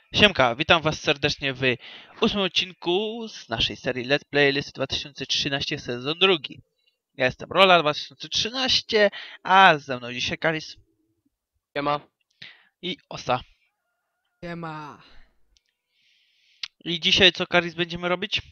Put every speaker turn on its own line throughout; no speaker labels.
Siemka, witam was serdecznie w 8 odcinku z naszej serii Let's Play Listy 2013 sezon drugi. Ja jestem Rola 2013, a ze mną dzisiaj Karis
Siema.
i Osa.
Siema.
I dzisiaj co, Karis, będziemy robić?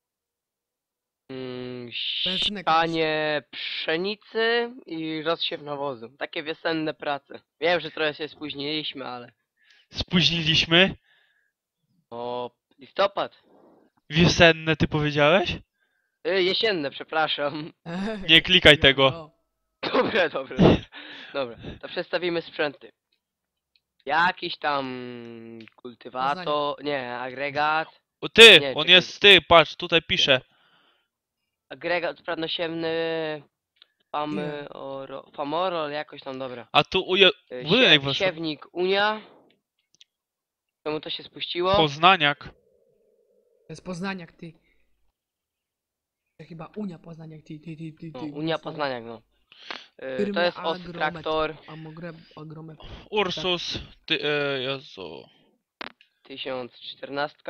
Benzynek
Sianie pszenicy i rozsiew nawozu. Takie wiosenne prace. Wiem, że trochę się spóźniliśmy, ale...
Spóźniliśmy.
O, listopad.
Wiosenne ty powiedziałeś?
Jesienne, przepraszam.
Nie klikaj tego.
No.
Dobra. Dobra, to przedstawimy sprzęty. Jakiś tam kultywator... Nie, agregat.
O ty,
Nie,
on
czekaj.
jest ty, patrz, tutaj pisze.
Agregat pradnosiemny...
Nie.
Famorol, jakoś tam, dobra.
A tu budynek wasz.
Siewnik Unia. Czemu to się spuściło?
Poznaniak.
To jest Poznaniak, ty. To chyba Unia Poznaniak, ty.
No, Unia Poznaniak, no.
Firmy
To jest
Agromet.
traktor
Agromet.
Ursus, ty, Jezu.
1014,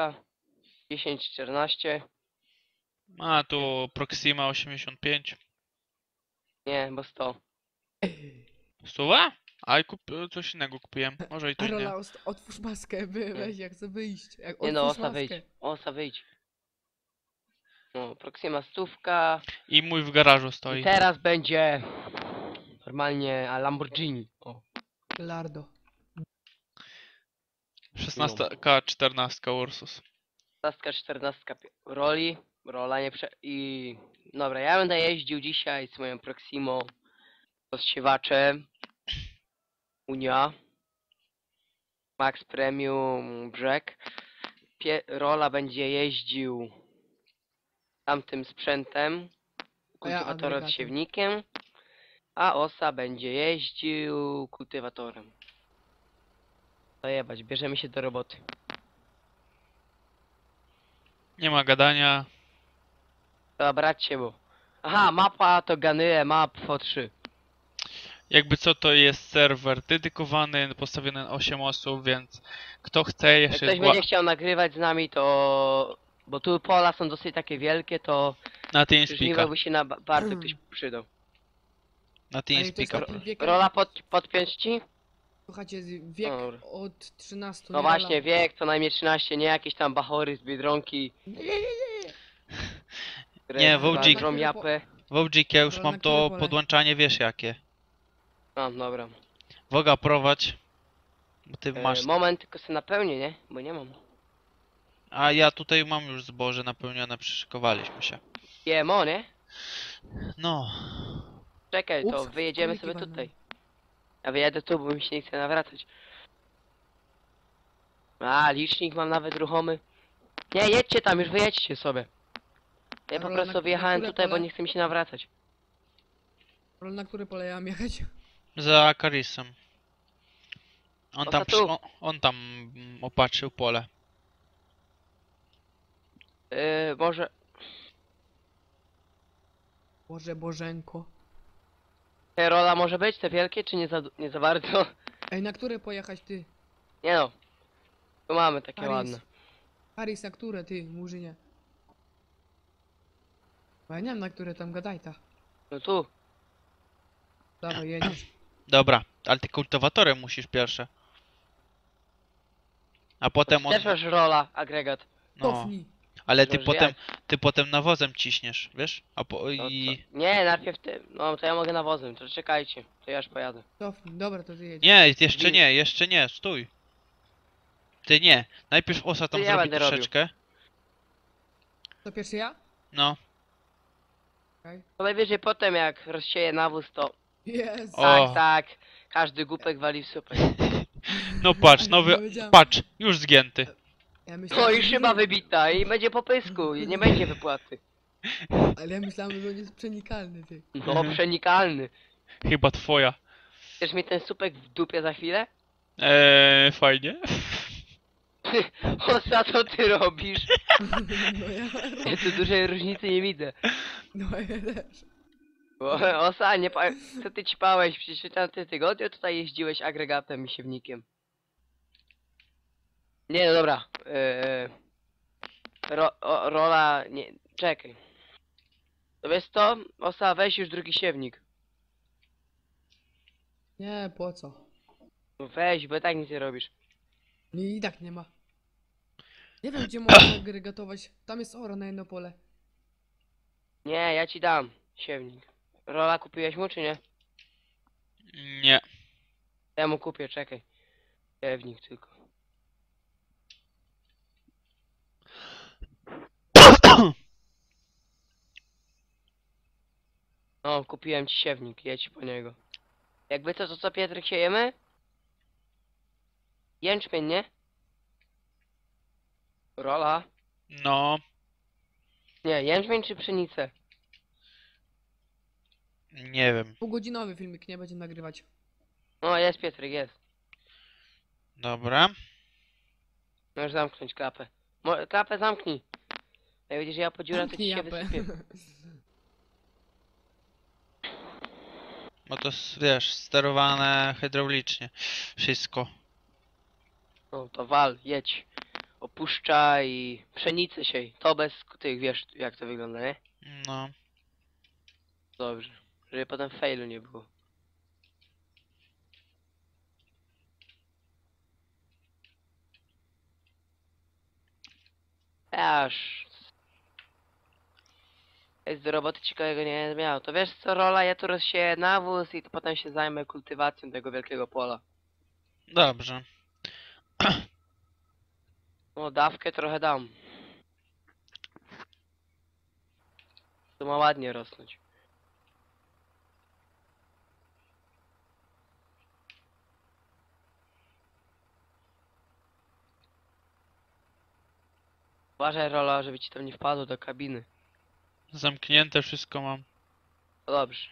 1014,
A tu Proxima 85.
nie, bo 100.
Stuwa? A i coś innego kupiłem. Może i to nie.
Rola, otwórz maskę, weź jak chcę wyjść.
Nie no,
Otwórz
osa wyjdź,
maskę.
osa wyjdź. No, Proxima stówka.
I mój w garażu
I
stoi.
teraz będzie normalnie a Lamborghini. O,
Lardo.
16, 14 Ursus.
15, 14 roli. Rola nie i... Dobra, ja będę jeździł dzisiaj z moją Proximą rozsiewaczem. Unia. Max Premium Brzeg. Rola będzie jeździł tamtym sprzętem, kultywator
agregatem.
odsiewnikiem, a Osa będzie jeździł kultywatorem. Zajebać, bierzemy się do roboty.
Nie ma gadania.
Trzeba brać się, bo... Aha, mapa to Ganyle Map FO3.
Jakby co, to jest serwer dedykowany, postawiony na 8 osób, więc kto chce
Jak
jeszcze
ktoś będzie chciał nagrywać z nami, to... Bo tu pola są dosyć takie wielkie, to
na
żniwo
TeamSpeaka.
by się na bardzo ktoś przydał.
Na
Ale to jest
TeamSpeaka.
taki wiek,
Rola podpiąć ci?
słuchajcie, wiek
Dobra.
od 13.
No
nie,
właśnie,
Rola?
wiek co najmniej 13, nie jakieś tam bachory z Biedronki.
Nie, Wodzik.
Którą japę.
W OG ja już
Na
mam
które
to
pole?
podłączanie, wiesz jakie.
No, dobra.
Woga prowadź. Bo ty masz.
Moment, tylko sobie napełnię, nie? Bo nie mam.
A ja tutaj mam już zboże napełnione, przyszykowaliśmy się.
GMO, nie?
No.
Czekaj, to
Ups,
wyjedziemy
króliki
sobie
walną.
tutaj. Ja wyjadę tu, bo mi się nie chce nawracać. A, licznik mam nawet ruchomy. Nie, jedźcie tam, już wyjedźcie sobie. Ja po
Rola,
prostu
na
wyjechałem
które
tutaj, bo
pole?
nie chce mi się nawracać.
Rola, na które pole ja mam jechać?
Za Karisem. On
O,
tam,
to tu.
on tam opatrzył pole.
Może...
Boże, Bożenko.
Te rola może być, te wielkie, czy nie za bardzo?
Ej, na które pojechać, ty?
Nie no. Tu mamy takie
Paris.
ładne.
Paris, na które, ty, Murzynie? Bo ja nie wiem, na które tam gadaj ta.
No tu.
Dawaj, jedziesz.
Dobra, ale ty kultywatorem musisz pierwsze. A potem on.
Też masz rola, agregat.
No.
Cofnij.
Ale ty
Możesz
potem.
jechać.
Ty potem nawozem ciśniesz, wiesz? A po
No
i.
to... Nie, najpierw ty. No to ja mogę nawozem, to czekajcie. To ja już pojadę.
Cofnij. Dobra, to ty jedziesz.
Nie, jeszcze nie, stój. Ty nie. Najpierw Osa tam
To ja
zrobi
będę robił.
troszeczkę.
To pierwszy ja?
No.
Okej.
To najwyżej potem jak rozsieję nawóz, to
Jest.
O.
tak. Każdy głupek wali w supę.
No patrz,
Nie
nowy.
wiedziałem.
Patrz, już zgięty.
Ja
No
myślałem,
i
że
szyba
nie,
wybita i będzie po pysku i nie będzie wypłaty.
ale ja myślałem, że on jest przenikalny, ty.
No
Mhm.
przenikalny.
Chyba twoja.
Chcesz mi ten supek w dupie za chwilę?
Fajnie.
Osa, co ty robisz?
No ja,
Ja tu dużej różnicy nie widzę.
no ja też.
Bo, Osa, nie co ty ćpałeś? Przecież tam ty tygodniu tutaj jeździłeś agregatem i siewnikiem. Nie, no dobra. Rola, nie, czekaj. To wiesz co? Osa, weź już drugi siewnik.
Nie, po co?
No weź, bo i tak nic nie robisz.
I tak nie ma. Nie wiem, gdzie można agregatować. Tam jest oro na jedno pole.
Nie, ja ci dam siewnik. Rola kupiłeś mu, czy nie?
Nie.
Ja mu kupię, czekaj. Siewnik tylko. No, kupiłem ci siewnik, jedź po niego. Jakby to co Pietrek siejemy? Jęczmień, nie? Rola?
No,
Nie, jęczmień czy pszenicę?
nie wiem.
Półgodzinowy filmik, nie będziemy nagrywać.
No, jest Pietrek, jest.
Dobra.
Możesz zamknąć klapę. Klapę zamknij. Jak widzisz, ja po dziurach to ci się
Japę.
wysypię.
Bo to wiesz, sterowane hydraulicznie. Wszystko.
No to wal, jedź. Opuszczaj pszenicę siej. To bez tych, wiesz jak to wygląda, nie?
No.
Dobrze. Żeby potem failu nie było. Aż. Jest do roboty ciekawego nie miał. To wiesz co, Rola, ja tu rozsieję nawóz i to potem się zajmę kultywacją tego wielkiego pola.
Dobrze.
No dawkę trochę dam. To ma ładnie rosnąć. Uważaj, Rola, żeby ci tam nie wpadło do kabiny.
Zamknięte wszystko mam.
No dobrze.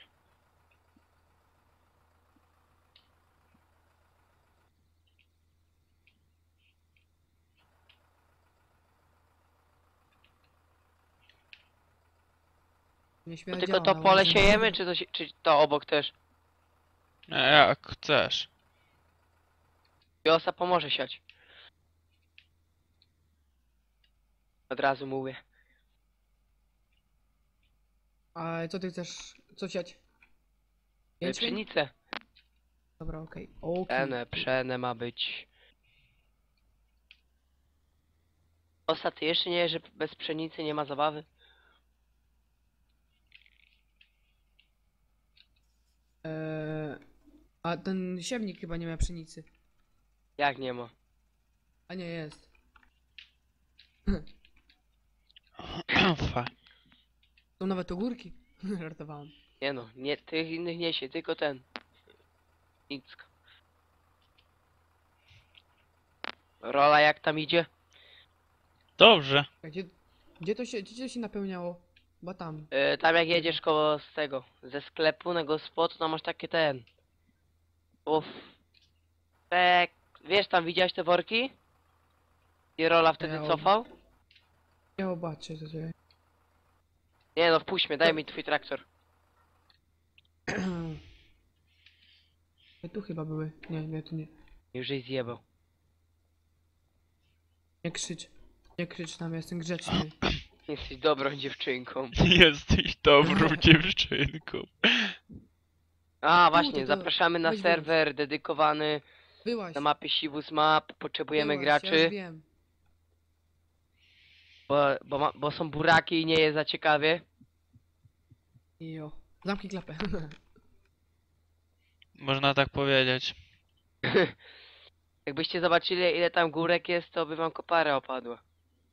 Nie
To
śmierdziało
tylko to
na
pole
łazie.
siejemy, czy to obok też?
Jak chcesz.
Wiosa pomoże siać. Od razu mówię.
A co ty chcesz? Co siać? Jęczmień?
Pszenicę.
Dobra, okej. Okej.
Pszene ma być. Osa, ty jeszcze nie, że bez pszenicy nie ma zabawy?
A ten siewnik chyba nie ma pszenicy.
Jak nie ma?
A nie, jest.
Fa.
Są nawet ogórki. Żartowałem.
Nie no, nie, tych innych niesie, tylko ten. Nicka. Rola jak tam idzie?
Dobrze.
A gdzie to się napełniało? Bo tam.
Tam jak jedziesz koło z tego, ze sklepu na gospodu, tam masz takie ten. Uff. Wiesz, tam widziałeś te worki? I Rola wtedy
Ja
cofał?
Ja zobaczę, co się...
Nie no, wpuść mnie, daj mi twój traktor.
Tu chyba były. Nie, tu nie.
Już jej zjebał.
Nie krzycz. Nie krzycz tam, ja jestem grzeczny.
Jesteś dobrą dziewczynką.
Jesteś dobrą dziewczynką.
A właśnie,
to
zapraszamy na
weź
serwer dedykowany
Byłaś.
na mapie Sivus Map. Potrzebujemy
Byłaś, Ja już
graczy,
wiem.
bo są buraki i nie jest za ciekawie.
Jo. Zamknij klapę.
Można tak powiedzieć.
Jakbyście zobaczyli ile tam górek jest, to by wam kopara opadła.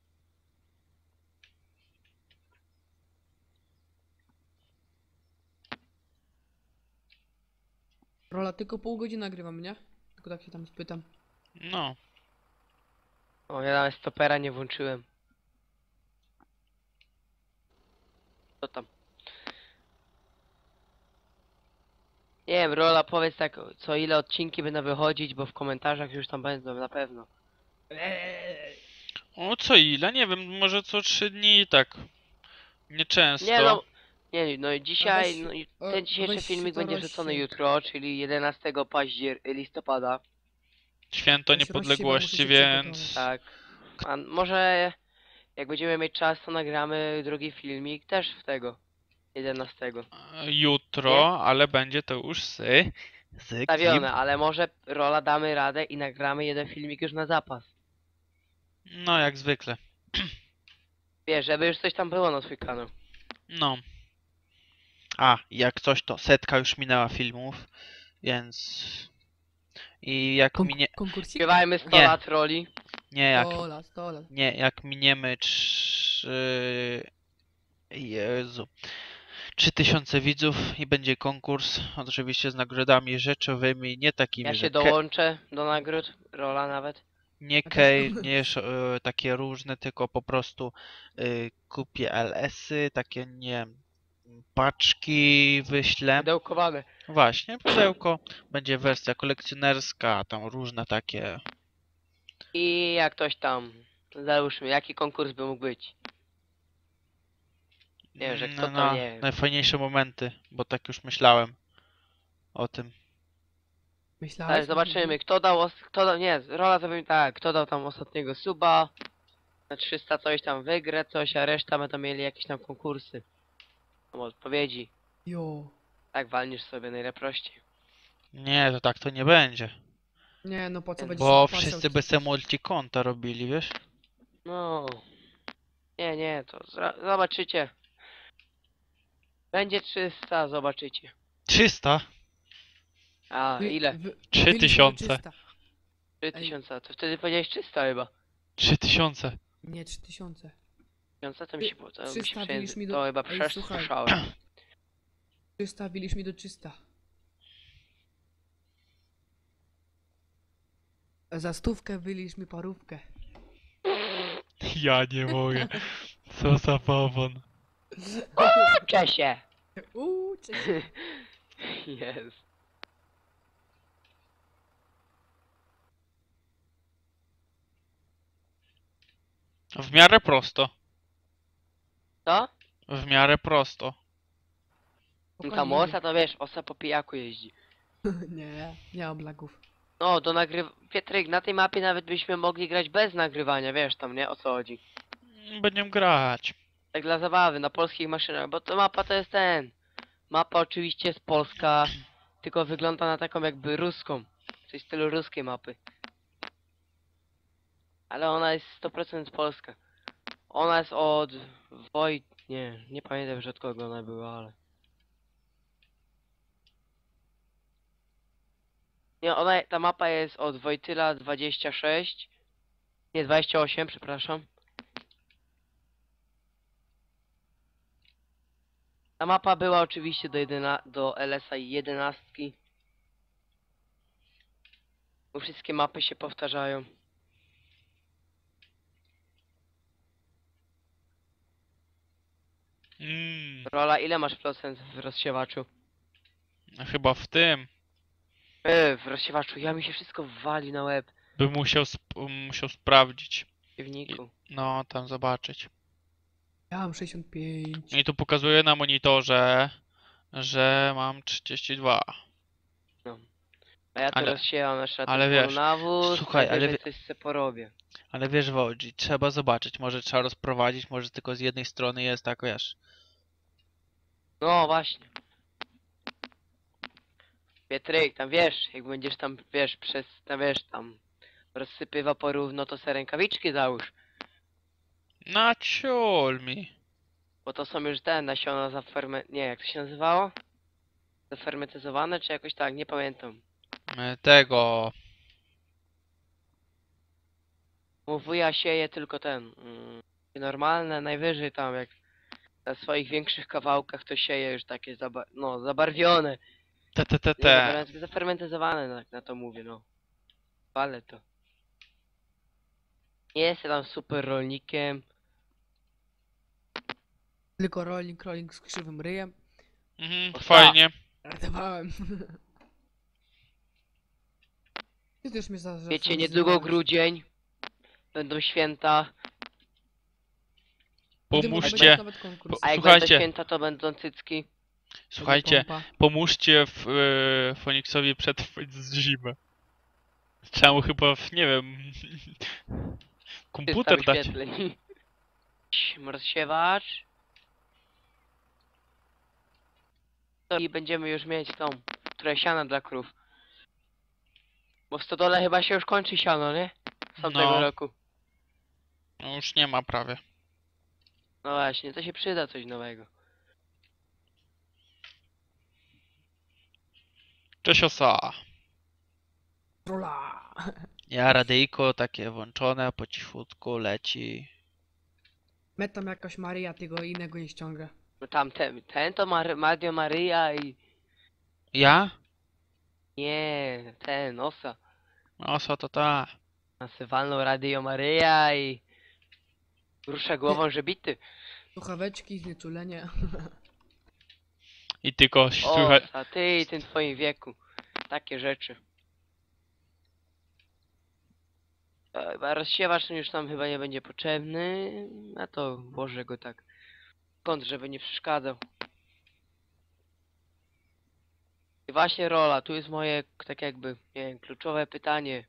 Rola, tylko pół godziny nagrywam, nie? Tylko tak się tam spytam.
No.
O, ja nawet stopera nie włączyłem. Co tam? Nie wiem, Rola, powiedz tak, co ile odcinki będą wychodzić, bo w komentarzach już tam będą, na pewno.
O co ile? Nie wiem, może co 3 dni i tak. Nieczęsto.
Nie no, nie, no i dzisiaj,
weź-
no i
a
ten dzisiejszy
weź
filmik
to
będzie
rozsiej.
wrzucony jutro, czyli 11 listopada.
Święto
Ja się
Niepodległości,
rozsiewam, muszę się
więc...
Tak. A może jak będziemy mieć czas, to nagramy drugi filmik też w tego. 11.
Jutro, ale będzie to już z kim?
Stawione, ale może Rola damy radę i nagramy jeden filmik już na zapas.
No, jak zwykle.
Wiesz, żeby już coś tam było na twój kanał.
No. A, jak coś to 100 już minęła filmów, więc... I jak minie...
Konkursik?
Śpiewajmy 100
Nie.
lat Roli.
Nie, jak...
100 lat, 100 lat.
Nie, jak miniemy 3000 widzów i będzie konkurs, oczywiście z nagrodami rzeczowymi, nie takimi,
Ja
że
się dołączę do nagród. Rola nawet.
nie
A
kej,
też-
nie takie różne, tylko po prostu kupię LS-y, takie nie wiem, paczki wyślę.
Pudełkowane.
Właśnie, pudełko, będzie wersja kolekcjonerska, tam różne takie.
I jak ktoś tam. Załóżmy, jaki konkurs by mógł być. Nie wiem, że kto to nie wiem.
Najfajniejsze momenty, bo tak już myślałem o tym.
Myślałeś?
Ale zobaczymy, kto dał, nie, Rola zrobił tak, kto dał tam ostatniego suba, na 300 coś tam wygra coś, a reszta będą mieli jakieś tam konkursy. Tam odpowiedzi.
Jo.
Tak walniesz sobie najleprościej.
Nie, to tak to nie będzie.
Nie, no po co będziesz
Bo
się wpłacał,
wszyscy by se multikonta robili, wiesz?
No. Nie, to zobaczycie. Będzie 300, zobaczycie.
300?
A, ile?
3000.
3000, to wtedy powiedziałeś 300 chyba.
3000.
Nie, 3000.
3000 to mi się to mi się
300
przejęzy-
wbiliś mi do-
To chyba
Ej, słuchaj.
przesłyszałem.
300, wiliś mi do 300. Za 100 wylisz mi parówkę.
Ja nie mogę. Co za bawon.
Czesie!
Cześć.
Jest.
W miarę prosto.
Co?
W miarę prosto.
Ta osa to wiesz, osa po pijaku jeździ.
Nie, nie mam lagów.
No, do Pietryk, na tej mapie nawet byśmy mogli grać bez nagrywania, wiesz tam, nie? O co chodzi.
Będziemy grać.
Tak dla zabawy, na polskich maszynach, bo to mapa to jest Mapa oczywiście jest polska, tylko wygląda na taką jakby ruską. Coś w stylu ruskiej mapy. Ale ona jest 100% polska. Ona jest od Nie pamiętam już od kogo ona była, ale... Nie, ta mapa jest od Wojtyla 26. Nie, 28, przepraszam. Ta mapa była oczywiście do LS-a 11. Bo wszystkie mapy się powtarzają. Rola, ile masz procent w rozsiewaczu?
Chyba w tym.
W rozsiewaczu, ja mi się wszystko wali na łeb.
Bym musiał sprawdzić.
W piwniku.
No, tam zobaczyć.
Ja mam 65.
I tu pokazuje na monitorze, że mam 32.
A ja tu
Ale-
rozsiewam jeszcze na
ale
tym
wiesz,
polu nawóz,
słuchaj, ale
najwyżej coś se porobię.
Ale wiesz, Wodzi, trzeba zobaczyć. Może trzeba rozprowadzić, może tylko z jednej strony jest tak, wiesz.
No właśnie. Pietryk, tam wiesz, jak będziesz tam, wiesz, tam rozsypywał porówno, to se rękawiczki załóż.
Na ciul mi.
Bo to są już te nasiona nie, jak to się nazywało? Zafermentyzowane, czy jakoś tak, nie pamiętam.
Tego.
Bo wuja sieje tylko normalne, najwyżej tam jak na swoich większych kawałkach to sieje już takie zabarwione. Nie, zafermentyzowane, na to mówię, no. Ale to. Nie jestem tam super rolnikiem.
Tylko rolling z krzywym ryjem.
Fajnie.
Ratowałem. Ty też mnie
Wiecie, niedługo grudzień. Będą święta.
Pomóżcie.
A jak
Słuchajcie.
będą święta, to będą cycki.
Słuchajcie, pomóżcie Foniksowi przetrwać z zimę. Trzeba mu chyba, nie wiem,
300
komputer dać.
wyświetleń. Rozsiewacz. I będziemy już mieć tą, które siana dla krów. Bo w stodole chyba się już kończy siano, nie? Z tamtego
No.
roku.
No już nie ma prawie.
No właśnie, to się przyda coś nowego.
Cześć osa.
Rola!
Ja radyjko takie włączone, po cichutku leci.
Met tam jakaś Maria, tego innego nie ściąga.
No tam ten to Radio Maryja i...
Ja?
Nie, ten, Osa.
Osa to ta.
Nasywalną Radio Maryja i... Rusza głową, że bity.
Słuchaweczki, znieczulenie.
I tylko słychać.
Osa, ty i tym twoim wieku. Takie rzeczy. Chyba rozsiewacz już nam chyba nie będzie potrzebny. A to włożę go tak. Kąt, żeby nie przeszkadzał. I właśnie Rola, tu jest moje tak jakby, nie wiem, kluczowe pytanie.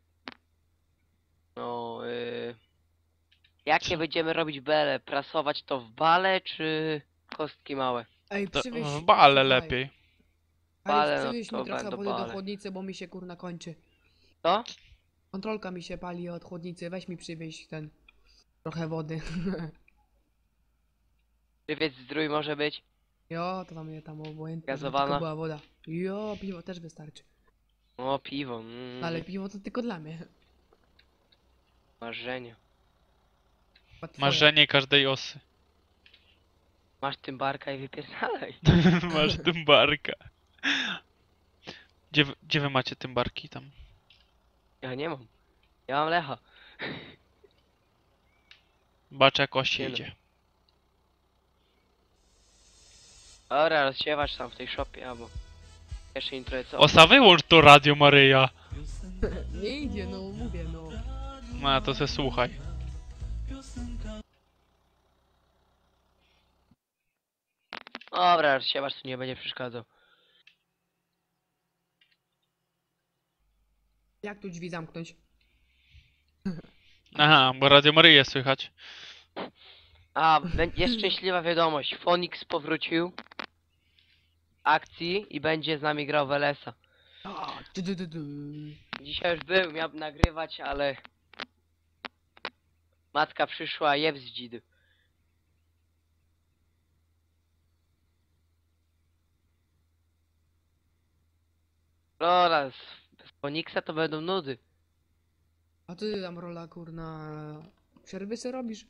No, jakie będziemy robić bele? Prasować to w bale, czy kostki małe?
Ej,
To
przywieź...
w bale
słuchaj,
lepiej.
Bale,
Ej,
no
przywieź
to
mi trochę
będą
wody do
bale.
chłodnicy, bo mi się kurna kończy.
Co?
Kontrolka mi się pali od chłodnicy, weź mi przywieź ten... Trochę wody.
Żywiec zdrój może być?
Jo, to tam obojętnie, żeby
Gazowana?
tylko była woda. Jo, piwo też wystarczy.
O, piwo.
Ale piwo to tylko dla mnie.
Marzenie.
Chyba twoje.
Marzenie każdej osy.
Masz tym barka i wypierdalaj.
Masz tymbarka. Gdzie wy macie tymbarki tam?
Ja nie mam. Ja mam Lecha.
Baczę jak osi
Nie no.
idzie.
Dobra, rozsiewacz tam w tej shopie, albo... Jeszcze intro co?
Osa, wyłącz to Radio Maryja.
Nie idzie, no mówię, no.
No to se słuchaj.
Dobra, rozsiewacz tu nie będzie przeszkadzał.
Jak tu drzwi zamknąć?
Aha, bo Radio Maryję słychać.
A, jest szczęśliwa wiadomość. Fonix powrócił. Akcji i będzie z nami grał w LS-a.
A,
Dzisiaj już był, miał nagrywać, ale... Matka przyszła, jeb z dzidy. Lola, bez Fonixa to będą nudy.
A ty tam Rola kurna... Przerwy se robisz?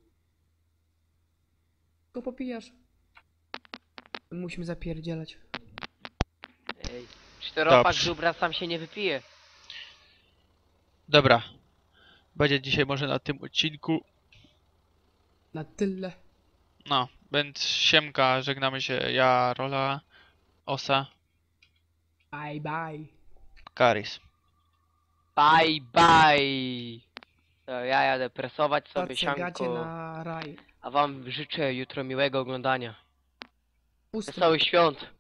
Tylko popijasz. Musimy zapierdzielać.
Ej, czteropak
Dobrze.
żubra sam się nie wypije.
Dobra. Będzie dzisiaj może na tym odcinku.
Na tyle.
No, więc siemka, żegnamy się. Ja, Rola, Osa,
Bye bye.
Karis.
Bye bye! To ja jadę presować sobie
Gacie
sianko,
na raj.
a wam życzę jutro miłego oglądania.
Pusty.
Wesołych świąt!